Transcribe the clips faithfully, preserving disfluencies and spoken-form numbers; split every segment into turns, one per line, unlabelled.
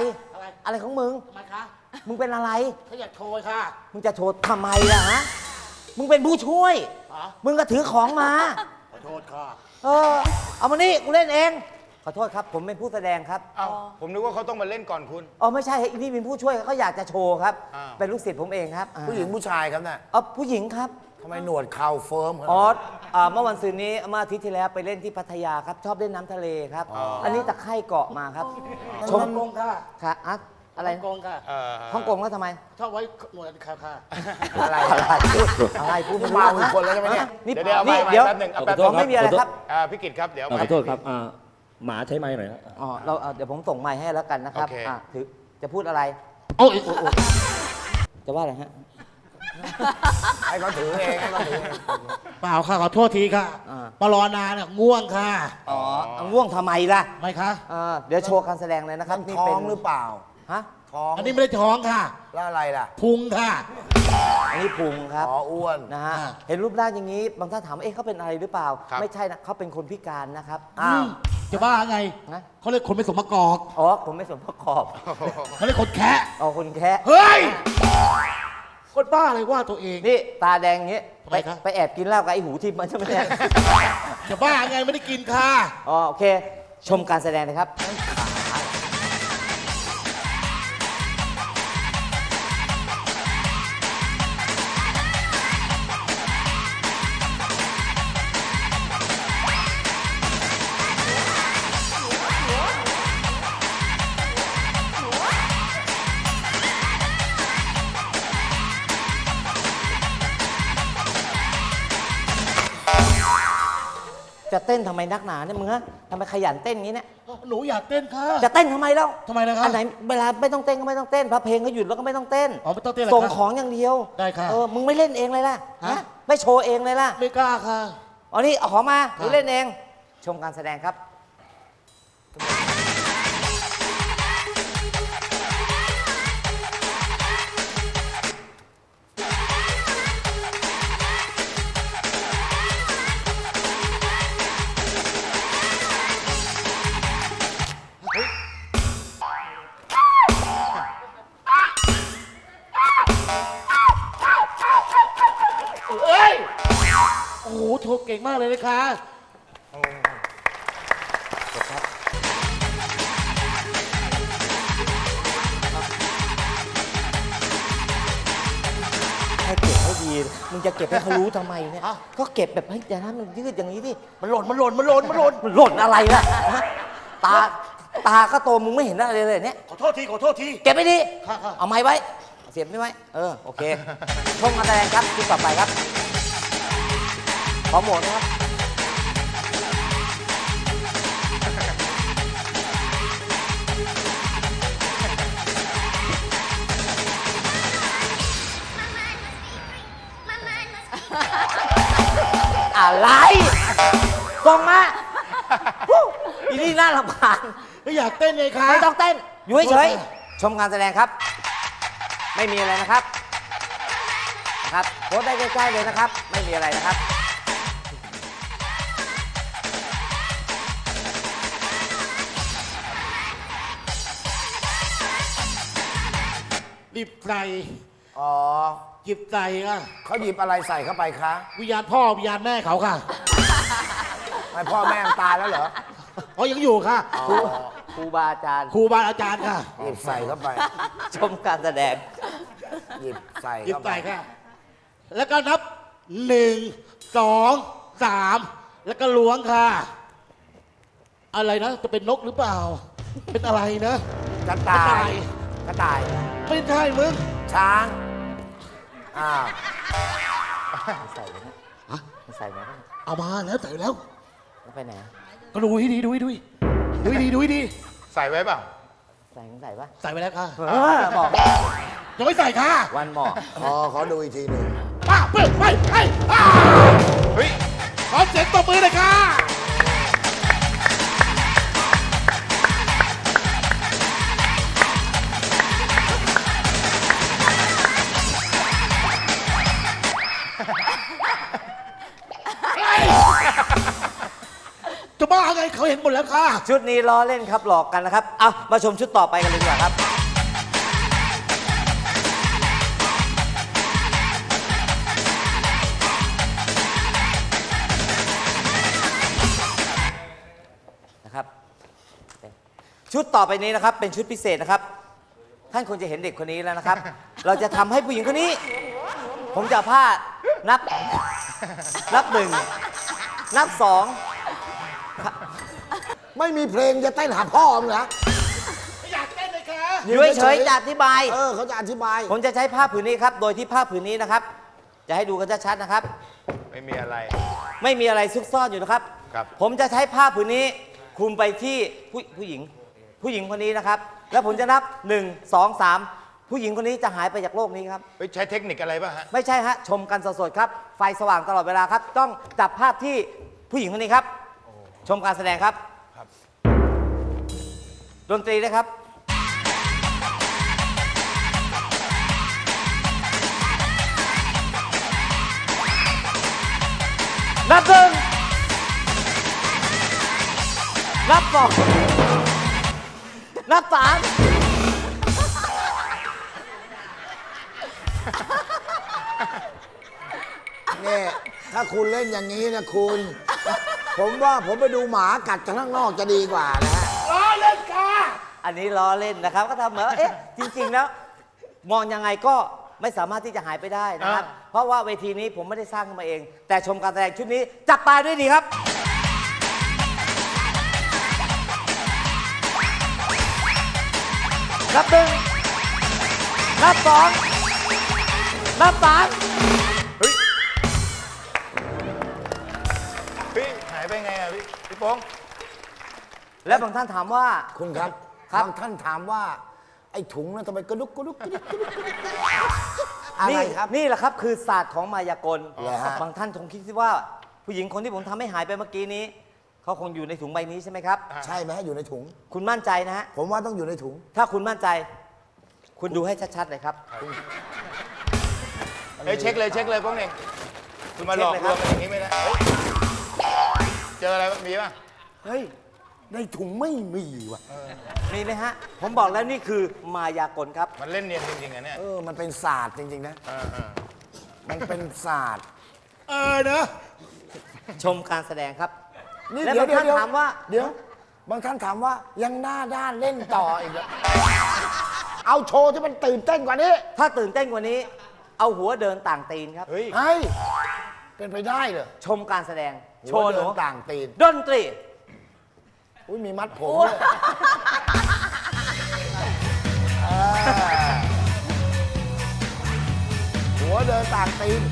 อะไร
อะไรของมึง
ทำไมคะ
มึงเป็นอะไร
เขาอยากโชว์ค่ะ
มึงจะโชว์ทำไมล่ะฮะมึงเป็นผู้ช่วย
อ๋อ
มึงก็ถือของมา
ขอโทษค่ะ
เออเอามานี่กูเล่นเองขอโทษครับผมเป็นผู้แสดงครับ
เอ้าผมนึกว่าเขาต้องมาเล่นก่อนคุณ
อ๋อไม่ใช่นี่เป็นผู้ช่วยเขาอยากจะโชว์ครับ
อ้าว
เป็นลูกศิษย์ผมเองครับอ่า
ผู้หญิงผู้ชายครับน่ะ
อ๋อผู้หญิงครับ
ทำไมหนวดเข่าเฟิร์มขนาด
อ๋อ
นั้น
อ่าเมื่อวันซืนนี้เมื่ออาทิตย์ที่แล้วไปเล่นที่พัทยาครับ ชอบเล่นน้ำทะเลครับ อันนี้ตะไคร่เกาะมาครับ
ชมกงค่ะ
ค่ะอะอะไร
ฮ่องกงค่ะ
เอ่อ
ฮ่องกงแล้วทำไม
ชอบไว้หนวดค่ะค่ะ
อะไร
อะไรพูดอะไรพูดไม่รู้
มาอีกคนแล้วใช่ไหมเนี่ย
นี่
เดี๋ยวเดี๋ยวเอาไป
นี่เดี๋ยว
แป๊บหนึ่งเอา
ข
แป๊
อบ โทษ
หนึ่ง
ไม่มีอะไรครับ
อ่าพี่กิตครับเดี๋ยว
อ่าขอโทษครับอ่าหมาใช้ไม้หน่อยนะ
อ๋อเราเอาเดี๋ยวผมส่งไมค์ให้แล้วกันนะครับ
โอเค
อ่ะถือจะพูดอะไร
โอ้ย
จะว่าอะไรฮะ
ให้เขาถือเองให้เขาถือเอง
เปล่าค่ะขอโทษทีค่ะ
อ่า
ปรอนานเนี่ยง่วงค่ะ
อ๋อเอาง่วงทำไมล่ะ
ไม่คะ
เออเดี๋ยวโชว์การแสดงเลยนะครับ
นั่น
นี่
ท้อ
เป็น
งหรือเปล่า
ฮะ
ท้อง
อันนี้ไม่ได้ท้องค่ะ
แล้วอะไรล่ะ
พุงค่ะ
อันนี้พุงครับ
อ๋ออ้วน
นะฮะ
อ่า
เห็นรูปร่างอย่างนี้บางท่านถามว่าเอ๊ะเขาเป็นอะไรหรือเปล่า
ครับ
ไม่ใช่นะเขาเป็นคนพิการนะครับ
อ้าว
จะบ้าไง
นะ
เขาเรียกคนไม่สมประกอบ
อ๋อผมไม่สมประกอบ
เขาเรียกคนแคะ
อ๋อคนแค่
เฮ้ย คนบ้าเลยว่าตัวเอง
นี่ตาแดงอย่างงี้
ทำ
ไป
ไมครับ
ไปแอบกินเหล้ากับไอ้หูทิพย์มันใช่ไหมเนี่ย
จะบ้าไงไม่ได้กินค่ะ
อ๋อโอเค ชมการแสดงนะครับ จะเต้นทำไมนักหนาเนี่ยมึงฮะทำไมขยันเต้นอย่างนี้เนี่ย
หนูอยากเต้นค่ะ
จะเต้นทำไมแล้ว
ทำไมนะครับ
อันไหนเวลาไม่ต้องเต้นก็ไม่ต้องเต้นพอเพลงเขาหยุดแล้วก็ไม่ต้องเต้น
อ๋อไม่ต้องเต้นเหรอ
ส่ง
ครับ
ของอย่างเดียว
ได้ครับ
เออมึงไม่เล่นเองเลยล่ะ
ฮะ
ฮะไม่โชว์เองเลยล่ะ
ไม่กล้าค่ะ
อ๋อนี่เอาของมาห
ครั
รื
บ
อเล่นเอง ชมการแสดงครับ
เอ้ย โอ้โหโชว์เก่งมากเลยนะคะ
ให้เก็บให้ดี มึงจะเก็บให้เขารู้ทำไมเนี่ย ก็เก็บแบบให้อย่าให้มันยืดอย่างนี้ดิ
มันหล่น มันหล่น มันหล่น มันหล่น
มันหล่นอะไรล่ะฮะตา ตาก็โตมึงไม่เห็นอะไรเลยเนี่ย
ขอโทษที ขอโทษที
เก็บไม่ดี
ค่ะค่ะ
เอาไม้ไว้ เสียบไม่ไว้ เออ โอเค ชมการแสดงครับที่ต่อไปครับ ขอโหมดนะครับ อะไรส่งมาฮู้อีนี่น่ารำคาญ
ไม่อยากเต้นเลยค่ะ
ไม่ต้องเต้น อยู่เฉยๆชมการแสดงครับ ไม่มีอะไรนะครับ นะครับโพสต์ได้ใกล้ๆเลยนะครับ ไม่มีอะไรนะครับ
รีบใส่
อ๋อ
หยิบใส่ค่ะ
เขาหยิบอะไรใส่เข้าไปคะ
วิญญาณพ่อวิญญาณแม่เขาค่ะ
ไม่พ่อแม่ตายแล้วเหรอ
อ๋อยังอยู่ค่ะ
ครูครูบาอาจารย์
ครูบาอาจารย์ค่ะ
หยิบใส่เข้าไป
ชมการแสดง
หยิบใส่
หยิบ
เข้าไป
ใส่ค่ะ แล้วก็นับหนึ่งสองสามแล้วก็ล้วงค่ะ อะไรนะ จะเป็นนกหรือเปล่า เป็นอะไรนะ
กระต่าก
ระต่าย ย
กระต่าย
ไม่ใช่มึง
ช้าง อ้าว
ใส่ไหม
ฮะ
ใส่ไหม
เอามาแล้วใส่แล้ว
แล้วไปไหน
ก็ดูให้ดีดูให้ดีดูให้ดีดูให้ดี
ใส่ไว้เปล่า
ใส่มึงใส่ปะ
ใส่ไปแล้วค่ะ
เออบอก
ยังไม่ใส่ค่ะ
วันหมอก
อ๋อขอดูอีกทีหนึ่ง
ป้าเปิดไปไปป้า
เฮ้ย
ขอเสียงตบมือหน่อยค่ะจะบ้าไงเขาเห็นหมดแล้วค่ะ
ชุดนี้ล้อเล่นครับหลอกกันนะครับเอามาชมชุดต่อไปกันเลยดีกว่าครับนะครับชุดต่อไปนี้นะครับเป็นชุดพิเศษนะครับท่านคงจะเห็นเด็กคนนี้แล้วนะครับ เราจะทำให้ผู้หญิงคนนี้ ผมจะเอาผ้านับนับหนึ่งนับสอง
ไม่มีเพลงจะเต้นหาพ่อมึงเหรอ
อยากเต้นเลยค่ะ
อยู่เฉยๆจะอธิบาย
เออเขาจะอธิบาย
ผมจะใช้ผ้าผืนนี้ครับ โดยที่ผ้าผืนนี้นะครับ จะให้ดูกันชัดๆนะครับ
ไม่มีอะไร
ไม่มีอะไรซุกซ่อนอยู่นะครับ
ครับ
ผมจะใช้ผ้าผืนนี้คลุมไปที่ผู้ผู้หญิง ผู้หญิงคนนี้นะครับ แล้วผมจะนับหนึ่ง สอง สามผู้หญิงคนนี้จะหายไปจากโลกนี้ครับ
เฮ้ยใช้เทคนิคอะไรป่ะฮะ
ไม่ใช่ฮะชมกันสดๆครับ ไฟสว่างตลอดเวลาครับ ต้องจับภาพที่ผู้หญิงคนนี้ครับ ชมการแสดงครับ
ครับ
ดนตรีด้วยครับ นับหนึ่งนับสองนับสาม
เนี่ยถ้าคุณเล่นอย่างนี้นะคุณ ผมว่าผมไปดูหมากัดกันข้างนอกจะดีกว่านะฮะ
ล้อเล่นค่ะ
อันนี้ล้อเล่นนะครับ ก็ทำเหมือนว่าเอ๊ะจริง ๆ แล้ว มองยังไงก็ไม่สามารถที่จะหายไปได้นะครับ เพราะว่าเวทีนี้ผมไม่ได้สร้างขึ้นมาเอง แต่ชมการแสดงชุดนี้จับปลายด้วยดีครับ นับหนึ่งนับสองนับสาม
เฮ้ย พี่หายไปไงอ่ะพี่พี่โป้ง
และบางท่านถามว่า
คุณครับ
ครับ
บางท่านถามว่า ไอ้ถุงนั้นทำไมกระดุกกระดุกกระดุกกระดุกอะไร
นี่
ครับ
นี่แหละครับคือศาสตร์ของมายากล
เหรอฮะ
บางท่านคงคิดว่า ผู้หญิงคนที่ผมทำให้หายไปเมื่อกี้นี้ เขาคงอยู่ในถุงใบนี้ใช่ไหมครับ
ใช่ไหมฮะอยู่ในถุง
คุณมั่นใจนะฮะ
ผมว่าต้องอยู่ในถุง
ถ้าคุณมั่นใจ คุณดูให้ชัดๆเลยครับ
เฮ้ยเช็คเลยเช็คเลยโป้งเองคุณมาหลอก
เช็คเลย
ล
ครับ
วงกันอย่างนี้ไม่ได้เฮ้ยเจออะไรบ้างมีป่ะ
เฮ้ย ในถุงไม่มีว่ะ
มีไหมฮะ ผมบอกแล้วนี่คือมายากลครับ
มันเล่นเนียนจริงๆอ่ะเนี่ย
เออ มันเป็นศาสตร์จริงๆนะ
เออเออ
มันเป็นศาสตร์
เออเนอะ
ชมการแสดงครับ
นี่
และ
เดี๋ยว
บาง
เดี๋ยว
ท่านถามว่า
เดี๋ยว บางท่านถามว่ายังหน้าด้านเล่นต่ออีกเหรอเอาโชว์ที่มันตื่นเต้นกว่านี้
ถ้าตื่นเต้นกว่านี้ เอาหัวเดินต่างตีนครับ
เฮ้ย
เฮ้ย เป็นไปได้เหรอ
ชมการแสดง โช
หั
ว์
ว
ห
เดิ
นู
นต่างตีน
ดนตรี
อุ้ยมีมัดผมด้วยเออหัวเดินต่างตีน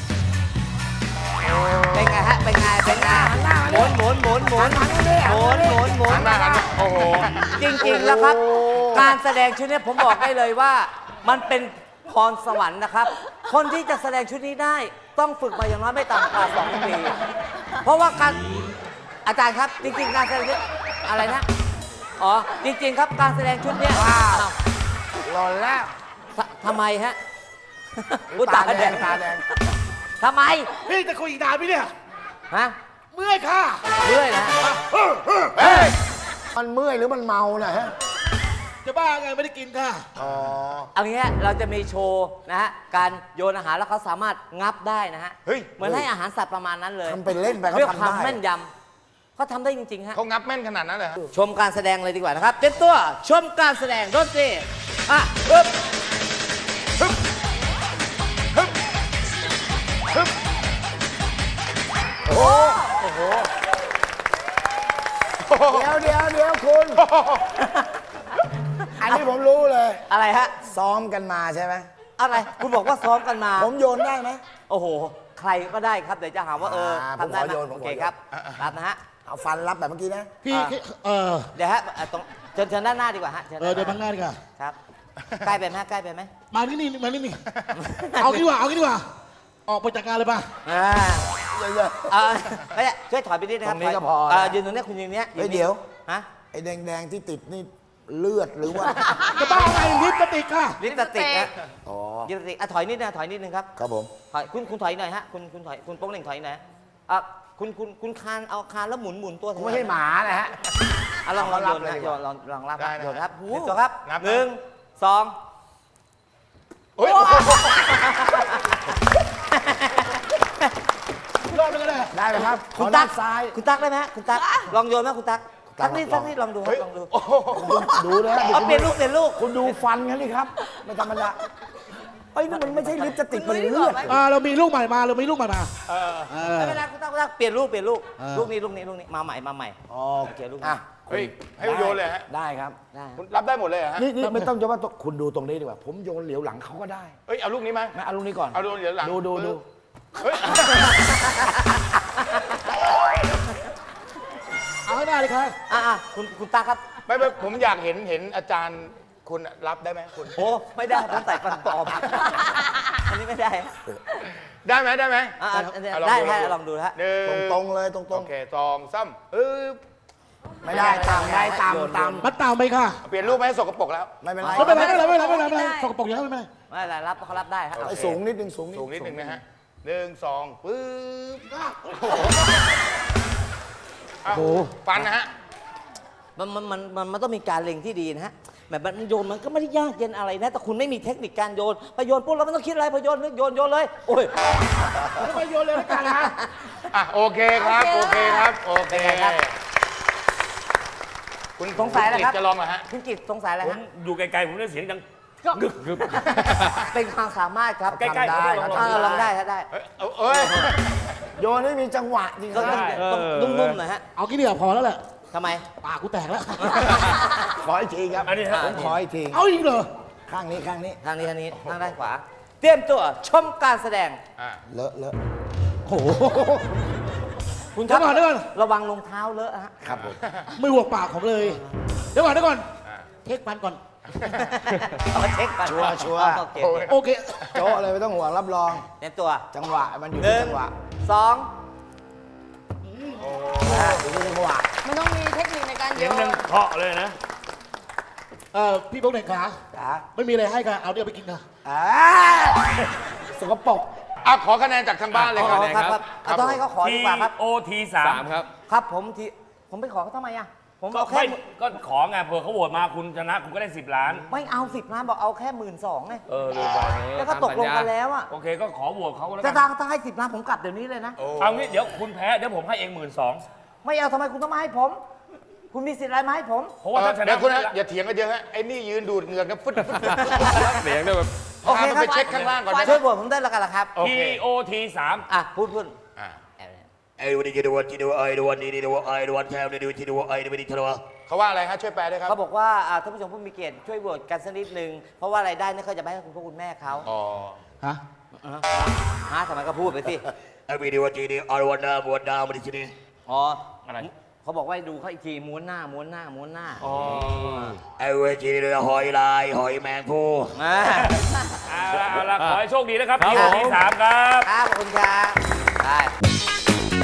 เป็นไงฮะ เป็นไง เป็นไงหมุนหมุนหมุนหมุนหมุนหมุนหมุนหมุนโอ้โห จริงๆแล้วครับ การแสดงชุดนี้ผมบอกได้เลยว่า มันเป็นพรสวรรค์นะครับ คนที่จะแสดงชุดนี้ได้ ต้องฝึกมาอย่างน้อยไม่ต่ำกว่าสองปี เพราะว่าการอาจารย์ครับ จริงๆ การแสดงชุดอะไรนะ อ๋อ จริงๆ ครับ การแสดงชุดเนี้ย
ว้าว
อ้าว
หล่นแล้ว
ททำไมฮะอุ๊ย
ตาแดงตาแดง
ทำไม
พี่จะคุยอีกนานไหมเนี่ย
ฮะ
เมื่อยค่ะ
เรื่อยนะ
มันเมื่อยหรือมันเมาน่ะฮะ
จะบ้าไงไม่ได้กินค่ะ
อ๋อ
เอางี้ฮะเราจะมีโชว์นะฮะ การโยนอาหารแล้วเขาสามารถงับได้นะฮะ
เฮ้ย
เหมือนให้อาหารสัตว์ประมาณนั้นเลย
ทำเป็นเล่นไปเขา
เรื่อง
ทำ
ความ
ได้
แม่นยำเขาทำได้จริงๆฮะ
เขางับแม่นขนาดนั้นเลยฮะ
ชมการแสดงเลยดีกว่านะครับ เป็นตัวชมการแสดงดนตรีอ่ะปึ๊บ
โอ้โห เดี๋ยวเดี๋ยวเดี๋ยวคุณ อันนี้ผมรู้เลย
อะไรฮะ
ซ้อมกันมาใช่ไหม
อะไร คุณบอกว่าซ้อมกันมา
ผมโยนได้ไหม
โอ้โห ใครก็ได้ครับ เดี๋ยวจะหาว่าเออ
อ่า
ทำได้
ผมขอโยน
ไหม
ผมขอโยน
โอเคครับรับนะฮะ
เอาฟันรับแบบเมื่อกี้นะ
พี่
อ่า
เออ
เดี๋ยวฮะอ่ะตรงเชิญเชิญด้านหน้าดีกว่าฮะชิญ
เออเดี๋ยวบังหน้าดีกว่า
ครับ ใกล้ไปไหมฮะใกล้ไปไหม
มานี่นี่มานี่นี่ เอางี้ดีกว่า เอางี้ดีกว่า ออกไปจากงานเลยป่ะ
อ่า
เยอะ
เออไม่ใช่ช่วยถอยไปนิดนะครับ
ตรงนี้ก็
ถย
พอนะ
เออยืนตรงนี้คุณยืนเนี้ย
เฮ้ย
นนี่
เดี๋ยว
ฮะ
ๆไอ้แดงๆที่ติดนี่เลือดหรือว่า
จะบ้าไงลิฟต์จะติดค่ะ
ลิปสติกนะ
อ๋อ
ลิปสติกอ่ะถอยนิดนะถอยนิดนึงครับ
ครับผม
ถอยคุณคุณถอยหน่อยฮะคุณคุณถอยคุณโป้งเหน่งถอยหน่อยอ่ะคุณคุณคุณคานเอาคานแล้วหมุนหมุนตัว
ผมไม่ใช่หมานะฮะ
อ่ะลองลอง
เอา
โย
รับ
น
เลย
นะ
ดี
โย
กว่า
นลองลองรับ
ได้นะ
โยนครับ
โอ้
เตรียมตัวครับ
นับนะ
หนึ่งสอง
เฮ้ย
รอบนึงก็ได้
ได้ไหมครับข
คุ
อ
ณ
ด้า
ตั๊
น
ก
ซ้าย
คุณตั๊กได้ไหมฮะคุณตั๊กลองโยนไหมคุณตั๊ก
ตั๊
ตั๊
ก
กนี่
ล
ตั๊
อก ง
นี่ลองดูครั
เฮ้
บ
ย
ลองดู
โอ้โห
ดูเลยฮะ
เอาเปลี่ยนลูกเปลี่ยนลูก
คุณดูฟันเขาดิครับ ไม่ธรรมดาเอ้ยนี่มันไม่ใช่ลิปสติกมันเลือด
อ่าเรามีลูกใหม่มาเรามีลูกใหม่มา
เออ
เออ
ไม่เป็นไรคุณตั๊กคุณตั๊กเปลี่ยนลูกเปลี่ยนลูก
เออ
ลูกนี้ลูกนี้ลูกนี้มาใหม่มาใหม่
อ๋อ
โอเคลูก
อ่ะ
เฮ้ยให้โยนเลยฮะ
ได้ครับ
ได้
คุณรับได้หมดเลยเหรอฮะ
นี่นี่ไม่ต้องจะว่าต้องคุณดูตรงนี้ดีกว่า ผมโยนเหลียวหลังเขาก็ได้
เฮ้ยเอาลูกนี้ไหม
งั้นเอาลูกนี้ก่อน
เอาลูกเหลียวหลัง
ดูดูดู
เฮ้ย
เอาให้ได้เลยครับ
อ่ะอ่ะคุณคุณตั๊กครับ
ไม่ไม่ผมอยากเห็นเห็นอาจารย์คุณรับได้ไหมคุณ
โอ้ไม่ได้ผมใส่ฟันปลอมอันนี้ไม่ได้
ได้ไหมได้ไหม
อ่ะอ่ะอันนี้
อ่ะ
ได้ได้ลองดูนะฮะ
หนึ่ง
ตรงตรงๆเลยตรงตร
โอง เคสองซ้ำเออ
ไม่ได้ตามได้ตามตาม
มัดตามไปค่ะ
เปลี่ยนรูปไหมสกปรกแล้ว
ไม่เป็นไร
ไม่เป็นไรไม่เป็นไรไม่เป็นไรไม่เป็นไรไม่เป็นไรสกปรกอย่างนั้นไม่เป็นไร
ไม่เป็นไรรับเขารับได้ครับ
ไอ้สูงนิดนึงสูงนิด
สูงนิดนึงนะฮะหนึ่งสองปึ๊บโอ้โหฟันนะฮะ
มันมันมันมันมันต้องมีการเล็งที่ดีนะฮะแบบมันโยนมันก็ไม่ได้ยากเย็นอะไรนะ แต่คุณไม่มีเทคนิคการโยนพอโยนปุ๊บเราไม่ต้องคิดอะไรพอโยนโยนโยนเลยโอ้ย
ไม่ไปโยนเลยแล้วกันนะ
อ่ะโอเคครับโอเคครับโอเค
เป็นไงครับ
คุณ
สงสัยอะไรครับ
ณกิตจะลองเหรอฮะ
คุณกิตสงสัยอะไร
ผม
ฮะ
อยู่ไกลๆผมได้เสียงดังงึกงึก
เป็นความสามารถครับ
ใกล้ๆ
ทำได้
ผม
ครับ
อ่า
ทำ
ลองได้ถ้าได้
เอ้ยเอาเอ้ย
โยนให้มีจังหวะจริงค
ต้
รั
อง
บ
ต้องต้องนุ่มๆหน่อยฮะ
เอากี่เดียวพอแล้วแหละ
ทำไม
ปากกูแตกแล้ว
ขออีกทีครับ
อันนี้ฮะ
ผมขออีกที
เอาอีกเหรอ
ข้างนี้ข้างนี้
ทางนี้ทางนี้ทางด้านขวา เตรียมตัวชมการแสดง
อ่ะ
เลอะเลอะ
โอ้โห
คุณ
เดี๋ยวก่อนเดี๋ยวก่อน
ระวังรองเท้าเลอะฮะ
ครับผม
ไม่ห่วงปากผมเลย เดี๋ยวก่อนเดี๋ยวก่อน
อ่ะ
เทคมันก่อน
เอาเช็คก่อน
ชัวร์ชัวร์
โอเค
โอ้ย
โอเค
โจ๊ะเลยไม่ต้องห่วงรับรอง
เตรียมตัว
จังหวะมันอยู่
ห
ที่
นึ่ง
จังหวะ
สอง
อ่าอยู่ที่จังหวะ
มันต้องมีเทคนิคในการโย
เสียง
น
ดังเคาะเลยนะ
เอ่อพี่พงษ์เด็กขา
จ้า
ไม่มีอะไรให้ค่ะเอาเดี๋ยวไปกินค่ะ
อ่าสกปรก
อ่ะขอคะแนนจากทางบ้านเลย
อ๋
ครับ
อครับครับเอาต้องให้เขาขอ
T
ดีกว่าครับ
O T สามครับ
ครับผมที่ผมไปขอเขาทำไมอ่ะ ผม
ก็
เอาแค่
ไม่ก็ขอไงเผื่อเขาโหวตมาคุณชนะคุณก็ได้สิบล้าน
ไม่เอาสิบล้านบอกเอาแค่หมื่นสองไง
เออลืมไป
แล้วก็ตกลงกันแล้วอ่ะ
โอเคก็ขอโหวตเขาแล้ว
จะ
กัน
ทางถ้าให้สิบล้านผมกลับเดี๋ยวนี้เลยนะ
โอ้
เอางี้เดี๋ยวคุณแพ้เดี๋ยวผมให้เองหมื่นสอง
ไม่เอาทำไมคุณต้องมาให้ผม คุณมีสิทธิ์อะไรมาให้ผม
เพราะว่า
เอ่อ
ถ้าชนะ
เดี๋ยวคุณนะอย่าเถียงกันเยอะฮะไอ้นี่ยืนดูดเหงื่อกันฟึดฟึดฟึด
เสียงด้วยแบบ
โอเค
พามัน
ครับ
ไปเช็คข้างล่างก่อนได้ไหม
ช่วยโหวตผมได้แล้วกันละครับ
โอ
T
เค
O T สาม
อ่ะพูดพูด
อ่ะ
ไอ้วันนี้จะดูวันที่ดูไอ้ดูวันนี้ดูไอ้ดูวันแถวนี้ดูที่ดูไอ้ดูวันนี้ทะเลาะ
เขาว่าอะไรฮะช่วยแปลด้วยครับ
เขาบอกว่าอ่าท่านผู้ชมผู้มีเกียรติช่วยโหวตกันสักนิดนึง เพราะว่ารายได้นี่เขาจะไปให้คุณพ่อคุณแม่เขา
อ๋อ
ฮะ
ฮะทำไมก็พูดไปสิ
ไอ้วันนี้วันที่นี่อาวันน้ำวันน้ำวันที่นี่
อ๋อ
อะไร
เขาบอกว่าให้ดูเขาอีกทีม้วนหน้าม้วนหน้าม้วนหน้า
อ๋อ
ไอ้วันที่นี่หอยลายหอยแมงผู้
มา
เอาละเอาละขอให้โชคดีนะครับ T O T สามครับ
ครับขอบคุณครับได้